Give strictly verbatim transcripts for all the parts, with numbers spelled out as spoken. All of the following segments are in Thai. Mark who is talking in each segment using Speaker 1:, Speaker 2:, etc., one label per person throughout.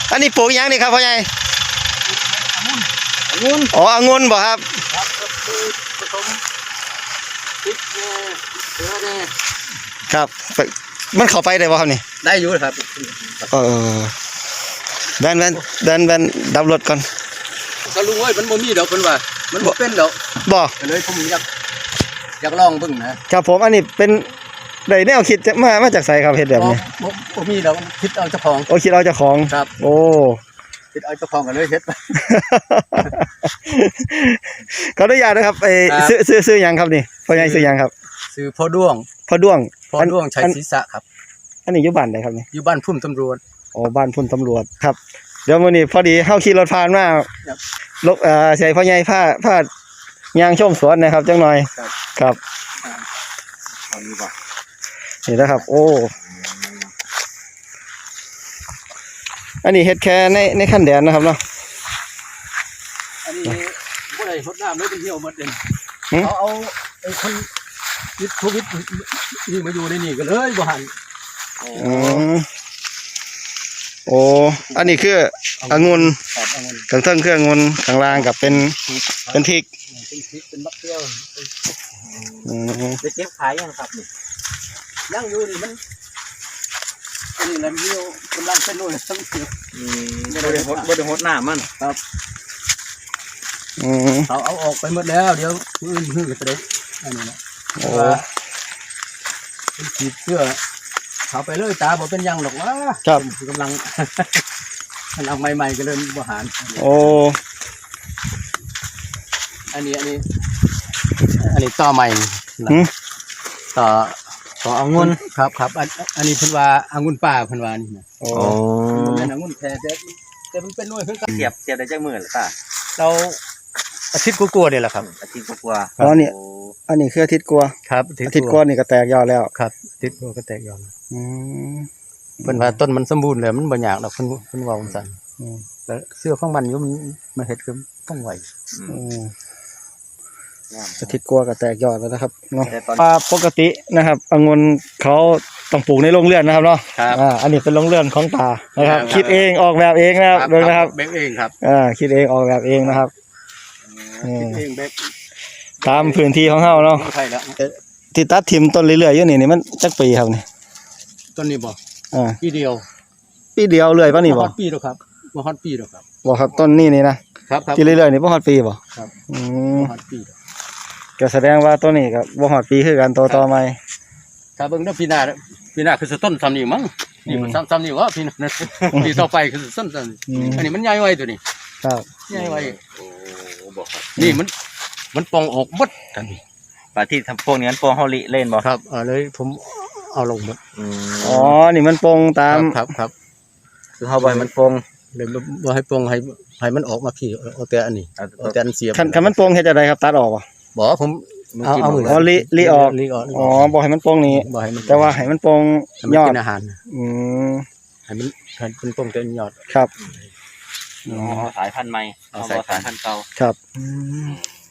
Speaker 1: อันนี้ปลูกยังนี่ครับพ่อใหญ่
Speaker 2: องุ่น
Speaker 1: อ๋อองุ่นบ่ครับ
Speaker 2: ครับผสมพริกเกลือเนี่ย
Speaker 1: ครับมันเข้าไปได้บ่ครับนี่
Speaker 2: ได้อยู่ครับ
Speaker 1: เออแบนแบนแบนแบนดับรถก่อน
Speaker 2: ก็รู้ว่ามันบ่มีดอกเพิ่นว่ามันบ่เป็นดอก
Speaker 1: บ่
Speaker 2: เลยผมอยากอยากลองเบิ่งนะครับ
Speaker 1: ผมอันนี้เป็นได้แนวคิดมามาจากไสครับเฮ็ดแบบนี้
Speaker 2: บ่บ่มีดอกคิดเอาเจ้าของ
Speaker 1: โอ้คิดเอาเจ้าของ
Speaker 2: ครับ
Speaker 1: โอ้
Speaker 2: คิดเอาเจ้าของกันเลยเฮ็ด
Speaker 1: ขออนุญาตนะครับไอ้ซื้อซื้อซื้อหยังครับนี่พ่อใหญ่ซื้อหยังครับ
Speaker 2: ซื้อพ่อด้วง
Speaker 1: พ่อด้วง
Speaker 2: พ่อด้วงชัยศรีษะครับ
Speaker 1: อันนี้อยู่บ้านใดครับนี่
Speaker 2: อยู่บ้านพุ่มตำรวจ
Speaker 1: อ๋อบ้านพุ่มตำรวจครับเดี๋ยวมื้อนี้พอดีเฮาขี่รถผ่านมาลบเอ่อใส่พ่อใหญ่ผ้าผ้ายางชมสวนนะครับจังหน่อยครับนี่นะครับโอ้อันนี้เฮ็ดแค่ในในขั้นแดนนะครับเนาะ
Speaker 2: อันนี้บ่ได้รดน้ำเลยเป็นเหี่ยวหมดเลยเอาเอาไอ้คนติดโควิดนี่มาอยู่ในนี่ก็เลยบ่หัน
Speaker 1: อ๋อโอ้อันนี้คือองุ่นข้างเทิงคือองุ่นข้างล่างกับเป็นเป็นพริก
Speaker 2: เป็นพริกเป็นมะเขือ
Speaker 1: อืม
Speaker 2: จะเก็บขายยังครับนี่ยังอยู่นี่มันเป็นน้ำเหี่ยวกำลังเป็นนู่นทั้งเหี่ยวอืมบ่ได้ฮดบ่ได้ฮดน้ำมันครับ
Speaker 1: อืม
Speaker 2: เอาเอาออกไปหมดแล้วเดี๋ยวมื้อมื้อก็ได้อันนี้นะโอ้เป็นขีดเสื้อเอาไปเลยตาบอกเป็นยังหรอกวะ
Speaker 1: ครับ
Speaker 2: กำลังกำลังใหม่ๆก็เลยบริหาร
Speaker 1: โอ้
Speaker 2: อันนี้อันนี้อันนี้ต่อใหม่ต่อต่อองุ่นครับครับอันอันนี้เพิ่นว่าองุ่นป่าเพิ่นว่านี่นะ
Speaker 1: โอ้
Speaker 2: เป็นองุ่นแท้แต่แต่มันเป็นหน่วยเพิ่น
Speaker 3: เสียบเสียบได้จักมื้อหรือเปล่า
Speaker 2: เราอาทิตย์กว่าๆนี่แหละครับ
Speaker 3: อาทิตย์กว่า
Speaker 1: อ๋อนี่อันนี้คืออาทิตย์กว่า
Speaker 2: ครับ
Speaker 1: อาทิตย์กว่านี่ก็แตกยอดแล้ว
Speaker 2: ครับอาทิตย์กว่าก็แตกยอด
Speaker 1: อืม
Speaker 2: เพิ่นว่าต้นมันสมบูรณ์แล้วมันบ่ยากดอกเพิ่นเพิ่นว่าจังซั่นอืมแล้วเสื้อของมันอยู่มันมันเฮ็ดคือต้องไหว
Speaker 1: อืมอาทิตย์กว่าก็แตกยอดแล้วนะครับเนาะว่าปกตินะครับองุ่นเขาต้องปลูกในโรงเรือนนะครับเนาะอ่าอันนี้เป็นโรงเรือนของตานะครับคิดเองออกแบบเองนะครับโดยนะครับ
Speaker 2: เบกเองครับ
Speaker 1: อ่าคิดเองออกแบบเองนะครับ
Speaker 2: คิดเองเบก
Speaker 1: ตามพื้นที่ของเฮาเนาะ
Speaker 2: ใช่แล้ว
Speaker 1: ที่ตัดทิ่มต้นเรื่อยๆอยู่นี่นี่มันจักปีครับนี่
Speaker 2: ต้นนี้บ่
Speaker 1: อ่า
Speaker 2: ปีเดียว
Speaker 1: ปีเดียวเลยป่ะนี่บ่
Speaker 2: ฮอดปีแล้วครับบ่ฮอดปีแล้วครับ
Speaker 1: บ่ครับต้นนี้นี่นะครับที่เรื่อยๆนี่บ่ฮอดปีบ่
Speaker 2: ครับ
Speaker 1: อืม
Speaker 2: บ่ฮอดปี
Speaker 1: ก็แสดงว่าต้นนี้ก็บ่ฮอดปีคือกันโตต่อใหม่
Speaker 2: ถ้าเบิ่งเด้อปีหน้าปีหน้าคือต้นซ้ำนี่มั้งนี่มันซ้ำๆนี่วะปีหน้าปีต่อไปคือต้นซ้ำอันนี้มันใหญ่ไว้ตัวนี้
Speaker 1: ครับ
Speaker 2: ใหญ่ไว้โอ้บ่ครับนี่มันมันปองออกหมดกันนี่
Speaker 3: ปลาที่ทำพวกนี้มันปองเฮาลิเล่นบ่
Speaker 2: ครับเออเลยผมเอาลงหมด
Speaker 1: อ๋อนี่มันปงตาม
Speaker 2: ครับครับ
Speaker 3: คือเฮาบ่ให้มันปง
Speaker 2: เลยบ่ให้ปงให้ให้มันออกมาพี่เอาแต่อันนี้เอาแต่อันเสียบ
Speaker 1: คันคันมันปงเฮ็ดจังได๋ครับตัดออกบ่
Speaker 2: บ่ผมเอาเอามือ
Speaker 1: อ๋อลิลิออก
Speaker 2: ลิออก
Speaker 1: อ๋อบ่ให้มันปงนี้
Speaker 2: บ่ให้มัน
Speaker 1: แต่ว่าให้มันปงยอด
Speaker 2: กินอาหาร
Speaker 1: อืม
Speaker 2: ให้มันให้มันปงแต่ยอด
Speaker 1: ครับ
Speaker 3: อ๋อสายพันธุ์ใหม่เอาสายพันธุ์เก่า
Speaker 1: ครับอืม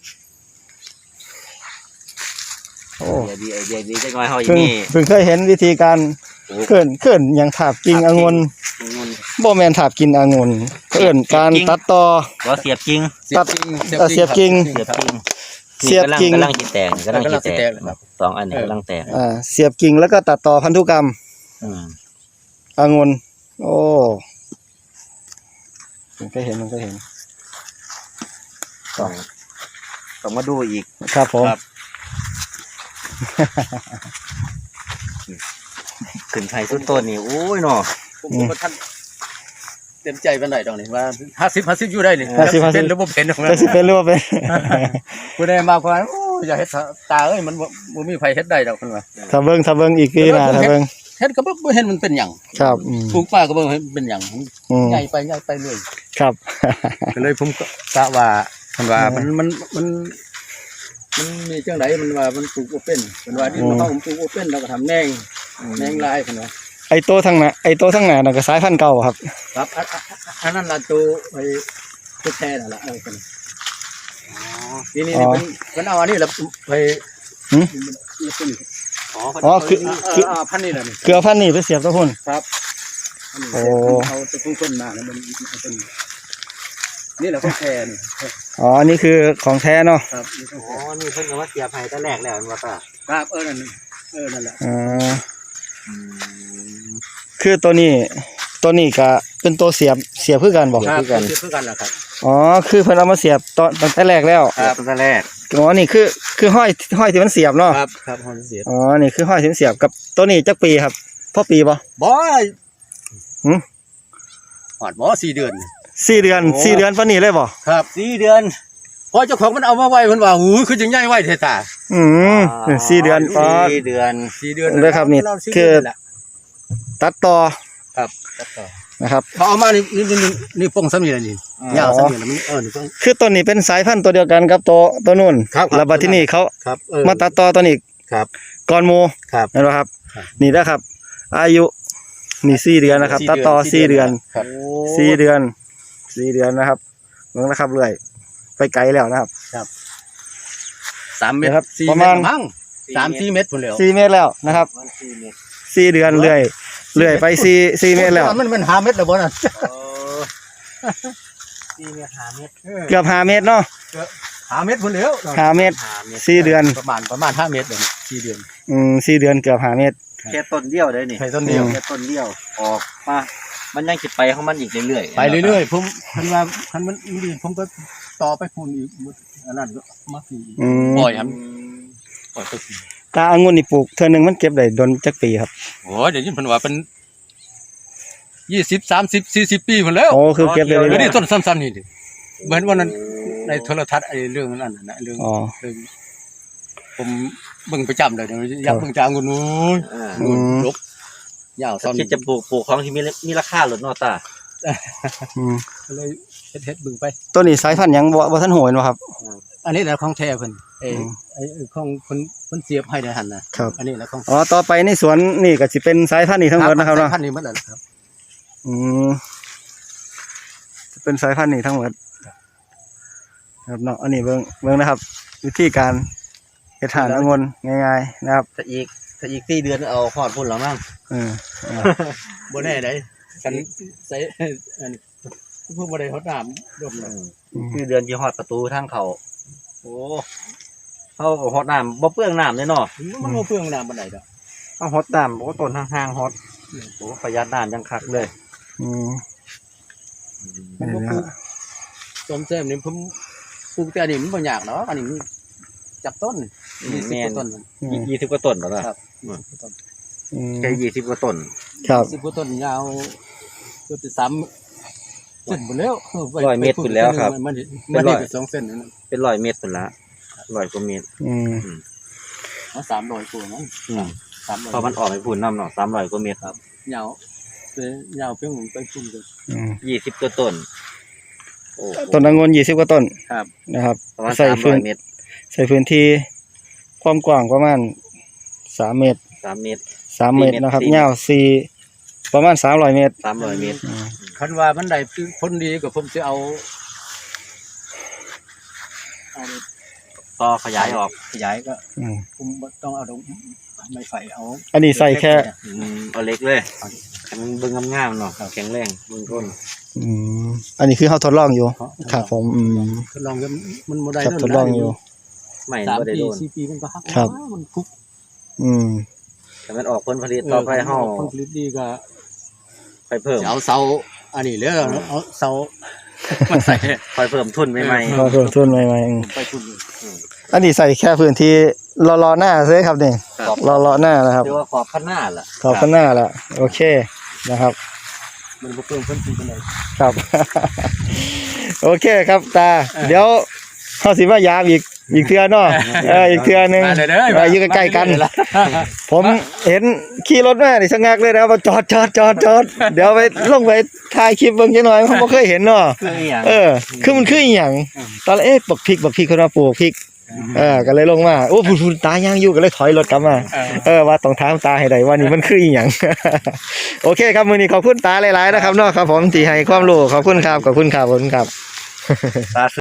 Speaker 1: โอ้
Speaker 3: ดีไอเดียดีจังน้อยเฮาอย่างนี้
Speaker 1: เพิ่งเคยเห็นวิธีการเขินเขินอย่างถาบกิ่งองุ่นบ่แม่นถาบกินองุ่นเขินการตัดต่อ
Speaker 3: บ่เสียบกิ่ง
Speaker 1: ตัดเสียบกิ่ง
Speaker 3: เสียบกิ่ง
Speaker 1: เสียบกิ่ง
Speaker 3: กำลังสิแตกกำลังสิแตกสองอันนี้กำลังแตก
Speaker 1: อ่าเสียบกิ่งแล้วก็ตัดต่อพันธุกรรม
Speaker 3: อืม
Speaker 1: องุ่นโอ้ผมก็เห็นมันก็เห็น
Speaker 3: ต้องต้องมาดูอีก
Speaker 1: ครับผม
Speaker 3: ขึ้นไทยสุดต้นนี่โอ้ยเนาะ
Speaker 2: ผมก็ท่านเต็มใจปานใดดอกนี่ว่าห้าสิบ ห้าสิบอยู่ได้นี่เป็นหรือบ่เป็น
Speaker 1: ก็สิเป็นหรือบ่เป็น
Speaker 2: ผู้ใดมาว่าโอ้อย่าเฮ็ดตาเอ้ยมันบ่มีไผเฮ็ดได้ดอกเพิ่นว่า
Speaker 1: ถ้าเบิ่งถ้าเบิ่งอีกปีหน้าถ้าเบิ่ง
Speaker 2: เฮ็ดก็บ่เห็นมันเป็นหยัง
Speaker 1: ครับ
Speaker 2: ปลูกป่าก็บ่เห็นเป็นหยังใหญ่ไปใหญ่ไปเรื่อย
Speaker 1: ครับ
Speaker 2: ก็เลยผมก็กะว่าเพิ่นว่ามันมันมันมันมีจังไดมันว่ามันปลูกบ่เป็นเพิ่นว่าดินเฮาผมปลูกบ่เป็นเราก็ทำแหน่งแหน่งลายเพิ่นว่า
Speaker 1: ไอ้โตทั้งน่ะไอ้โตทั้งหน้าน่ะก็สายพันธุ์เก่าครับ
Speaker 2: ครับอันนั้นล่ะตัวไอ้ตัวแท้นั่นล่ะเออเพิ่นอ๋อทีนี้นี่เพิ่นเพิ่นเอาอันนี้ล่ะไปหึอ๋อคือคือพันธุ์นี่ล่ะนี่
Speaker 1: คือเอาพันธุ์นี่ไปเสียบกับพุ่น
Speaker 2: ครับ
Speaker 1: โอ้
Speaker 2: เอาตะกุ้งต้นมาแล้วมันมันเป็นนี่แหละของแท้นี่
Speaker 1: อ๋ออันนี้คือของแท้เนาะ
Speaker 2: ครับนี่ของ
Speaker 3: อ๋อ
Speaker 2: แท้
Speaker 3: นี่เพิ่นก็ว่าเสียบให้ตั้งแรกแล้วว่าป่ะ
Speaker 2: ครับเออนั่นเออนั่นแหละ
Speaker 1: อ๋อคือตัวนี้ตัวนี้ก็เป็นตัวเสียบเสียบคือกันบอก
Speaker 2: ครับเพื่อเพื่อกันแหละครับ
Speaker 1: อ๋อคือเพิ่นเอามาเสียบตอนตั้งแต่แรกแล้ว
Speaker 3: ครับตั้งแรก
Speaker 1: อ๋อนี่คือคือห้อยห้อยที่มันเสียบเนาะ
Speaker 2: ครับครับฮอนเสีย
Speaker 1: อ๋อนี่คือห้อยที่มันเสียบกับตัวนี้จักปีครับพ่อปีบ่
Speaker 2: บอย
Speaker 1: หืม
Speaker 2: หอดบอสี่เดือน
Speaker 1: สี่เดือนสี่เดือนปานนี้เลยบ่
Speaker 2: ครับ
Speaker 3: สี่เดือน
Speaker 2: พอเจ้าของมันเอามาไว้มันว่าหูยคือจังใหญ่ไว้เทตา
Speaker 1: อืมสี่เดือนปอด
Speaker 3: สี่เดือน
Speaker 2: สี่เดือน
Speaker 1: เลยครับนี่
Speaker 2: เาสี่
Speaker 1: คือ
Speaker 2: เดืนแหละ
Speaker 1: ตัดต่อ
Speaker 2: ครับตัดต่อ
Speaker 1: นะครับ
Speaker 2: เขาเอามานี่นี่นี่นี่ป้องซ้ำนี่แหละนี่ยาวซ้ำนี่แหละมันเออนี่ป้อง
Speaker 1: คือตัวนี้เป็นสายพันธุ์ตัวเดียวกันกับตัวตัวนู่น
Speaker 2: ครับครับ
Speaker 1: แล้วบัดที่นี่เขา
Speaker 2: ครับเออ
Speaker 1: มาตัดต่อตัวนี้
Speaker 2: ครับ
Speaker 1: ก่อนหมู่
Speaker 2: ครับ
Speaker 1: เห็นบ่ครับ
Speaker 2: ครับ
Speaker 1: นี่นะครับ อายุนี่สี่เดือนนะครับ ตัดต่อสี่เดือน
Speaker 2: ครับ
Speaker 1: สี่เดือนสี่เดือนนะครับเบิ่งนะครับเรื่อยไปไกลแล้วนะครับ
Speaker 2: สามเมตร
Speaker 1: นะครับ
Speaker 2: สี่
Speaker 1: ประ
Speaker 2: เม
Speaker 1: มา
Speaker 2: ต
Speaker 1: ณ
Speaker 2: รมั้งสามสี่เมตรพุ่นแล้ว
Speaker 1: สี่เมตรแล้วนะครับ
Speaker 3: มันสี่เมตร
Speaker 1: สี่เดือนเรื่อยเรื่อยไปสี่สี่เมตรแล้ว
Speaker 2: มันมันห้าเมตรแล้วบ่น่ะ
Speaker 3: โอ้สี่เมตรห้าเมตร
Speaker 1: เกือบห้าเมตรเนาะ
Speaker 2: ห้าเมตรพุ่นแล้ว
Speaker 1: ห้าเมตร
Speaker 3: ห้าเมตร
Speaker 1: สี่เดือน
Speaker 2: ประมาณประมาณห้าเมตรเลยสี่เดือน
Speaker 1: อืมสี่เดือนเกือบห้าเมตร
Speaker 3: แค่ต้นเดียวเลยนี่
Speaker 2: ใช่ต้นเดียว
Speaker 1: อืม
Speaker 3: แค่ต้นเดียวออกมามันยังสิไปของมันอีกเรื่อยๆ
Speaker 2: ไปเรื่อยๆผมคันว่าคันมันดีผมก็ต่อไปพุ่นอีกอันนั้นก็มาสี่
Speaker 1: อืม
Speaker 2: ปล่อยค
Speaker 3: อื
Speaker 2: รับ
Speaker 3: ม
Speaker 2: ปล่อยไปสี่
Speaker 1: ตาองุ่นนี่ปลูกเทื่อหนึงมันเก็บได้ดนจักปีครับ
Speaker 2: โอ้ยเดี๋ยวนี้เพิ่นว่าเป็นยี่สิบสามสิบสี่สิบปีพุ่นแล้ว
Speaker 1: โอ้คือเก็บได้
Speaker 2: เดี๋ยว
Speaker 1: เรื่อย
Speaker 2: นี้ต้นซ้ำๆนี่ดิเหมือนวันนั้นในโทรทัศน์ไอ้เรื่องนั้นน่ะนะเรื่อง
Speaker 1: อ๋อ
Speaker 2: เรื่องผมเบิ่งประจำเลยเดี๋ยวอยากเบิ่งจางงูนู้น
Speaker 3: อ่า
Speaker 1: อืม
Speaker 2: ลบยาวซ้อน
Speaker 3: คิดจะปลูกปลูกของที่มีมีราคาหรือเนอตา
Speaker 1: อืม
Speaker 2: ก็เลยเฮ็ดเฮ็ดเบิ่งไป
Speaker 1: ตัวนี้สายพันธุ์หยังบ่บ่ทันโหยบ่ครับ
Speaker 2: อันนี้แหละของแท้เพิ่นไอ้
Speaker 1: อืม
Speaker 2: ไอ้ไอ้ของเพิ่นเพิ่นเสียบให้ในหั่นน่ะ
Speaker 1: ครับ
Speaker 2: อันนี้แหละของ
Speaker 1: อ๋อต่อไปในสวนนี่ก็สิเป็นสายพันธุ์นี้ทั้งหมดนะครับเนาะ
Speaker 2: พันธุ์นี้หมดแล้วครับ
Speaker 1: อืมจะเป็นสายพันธุ์นี้ทั้งหมดครับเนาะอันนี้เบิ่งเบิ่งนะครับ วิธีการเฮ็ดทานองุ่นง่ายๆนะครับ
Speaker 3: ถ้าอีกถ้าอีกสี่เดือนเอาหอดพุ่นแล้วมั้ง
Speaker 1: เอออ่า
Speaker 2: บ่แน่ได้กันใส่อันนี้เพิ่นบ่ได้ฮดน้ำดมเลย
Speaker 3: สี่เดือนที่หอดประตูทางเขาโอ้เขาก็หอดน้ำบ่เปลืองน้ำเลยเนาะ
Speaker 2: มันบ่เปลืองน้ำปานใดดอก
Speaker 3: เขาหอดน้ำโอ้ต้นห่างๆหอดโอ้ประหยัดน้ำยังคักเลย
Speaker 1: อืม
Speaker 2: ผม
Speaker 1: นี่
Speaker 2: บ่
Speaker 1: นะ
Speaker 2: ปลู
Speaker 1: ฮะ
Speaker 2: กต้นแซมนี่ผมปลูกแต่อันนี้มันบ่ยากเนาะอันนี้มันจับต้นยี่สิบกว่าต้น
Speaker 1: อืม
Speaker 3: ยี่สิบกว่าต้นแล้วล่ะ
Speaker 2: ครับ
Speaker 1: อืม
Speaker 3: แค่ยี่สิบกว่าต้น
Speaker 1: ครับ
Speaker 2: สิบกว่าต้นยาวเกือบจะสามเส้นหมดแล้วไป
Speaker 3: ร้อยเมตรพุ่นแล้วครับ
Speaker 2: มัน
Speaker 3: เป็
Speaker 2: มัน
Speaker 3: นร้
Speaker 2: นี่
Speaker 3: อย
Speaker 2: เป็นสองเส้นนั่นน่ะ
Speaker 3: เป็นร้อยเมตรพุ่นละร้อยกว่าเมตร
Speaker 1: อืม
Speaker 2: เอาสามร้อยกว่านั้น
Speaker 3: อืม
Speaker 2: สามร้อย
Speaker 3: พอมันออกไปพุ่นน้ำเนาะสามร้อยกว่าเมตรครับ
Speaker 2: ยาวไปยาวเพียงไปพุ่นเลย
Speaker 1: อืม
Speaker 3: ยี่สิบกว่าต้นโอ้โห
Speaker 1: ต้นองุ่นยี่สิบกว่าต้น
Speaker 2: ครับ
Speaker 1: นะครับ
Speaker 3: ประมาณ
Speaker 1: ใส่
Speaker 3: สามร้
Speaker 1: พื้
Speaker 3: อน ยเมตร
Speaker 1: ใส่พื้นที่ความกว้างประมาณสามเมตร
Speaker 3: สามเมตร
Speaker 1: สามเมตร
Speaker 3: สี่เมตร
Speaker 1: นะครับ
Speaker 3: สี่เมตร
Speaker 1: ยาวสี่ประมาณสามร้อยเมตร
Speaker 3: สามร้อยเมตร
Speaker 1: อืม
Speaker 2: คันว่ามันได้ผลดีก็ผมจะเอาเอา
Speaker 3: ต่อขยายออก
Speaker 2: ขยายก็
Speaker 1: อืม
Speaker 2: ผมบ่ต้องเอาดอกไม้ไฟเอา
Speaker 1: อันนี้ใส่แค่
Speaker 3: อืมเอาเล็กเลยให้มันเบิ่งงามๆเนาะแข็งแรงเบิ่งต้น
Speaker 1: อืมอันนี้คือเขาทดลองอยู่ครับผมอืม
Speaker 2: ทดลองกันมันบ่ได้
Speaker 1: ครับ
Speaker 2: เท่า
Speaker 1: ทดลองอยู่
Speaker 3: ไม่
Speaker 2: สาม
Speaker 3: บ่ได้
Speaker 2: ปี
Speaker 3: โดน
Speaker 2: สี่ปีมันก็หัก
Speaker 1: ครับ
Speaker 2: มันคุก
Speaker 1: อืม
Speaker 3: แต่มันออกผลผลิตต่อไปเฮา
Speaker 2: ผลผลิตดีก็
Speaker 3: ไปเพิ่ม
Speaker 2: จะเอาเสาอันนี้เลยเอาเสามาใส่
Speaker 3: คอยเพิ่มทุนใหม่
Speaker 1: เราเพิ่มทุนใหม่ๆอืม
Speaker 2: ไปทุนเลย
Speaker 1: อันนี้ใส่แค่พื้นที่รอรอหน้าเลยครับนี่
Speaker 3: ๆขอบ
Speaker 1: รอรอหน้านะครับ
Speaker 3: เรียกว่าขอบข้างหน้าล่ะ
Speaker 1: ขอบข้างหน้าละโอเคนะครับ
Speaker 2: มันบ่เพิ่มเพิ่มทุนกันเลย
Speaker 1: ครับ โอเคครับตา เดี๋ยวเขาสิมายามอีกอีกเทือเนาะเอออีกเทือหนึง
Speaker 2: มาเลยเด้อ
Speaker 1: เอออยู่ใกล้ๆกัน ผมเห็นขี่รถมาดิชะงักเลยนะครับว่าจอดจอดจอดจอดเดี๋ยวไปลงไปถ่ายคลิปเบิ่งจังหน่อยผมบ่เคยเห็นเนาะ
Speaker 3: คืออีหยัง
Speaker 1: เออ คือมันคืออีหยังตอนแรกเอ๊ะบักพริกบักพริกคนมาปลูกพริกเออก็เลยลงมาโอ้พูนๆตาย่างอยู่ก็เลยถอยรถกลับมา เออว่าต้องถามตาให้ได้ว่านี่มันคืออีหยัง โอเคครับมื้อนี้ขอบคุณตาหลายๆนะครับเนาะครับผมที่ให้ความรู้ขอบคุณครับขอบคุณครับขอบคุณครับ
Speaker 3: ตา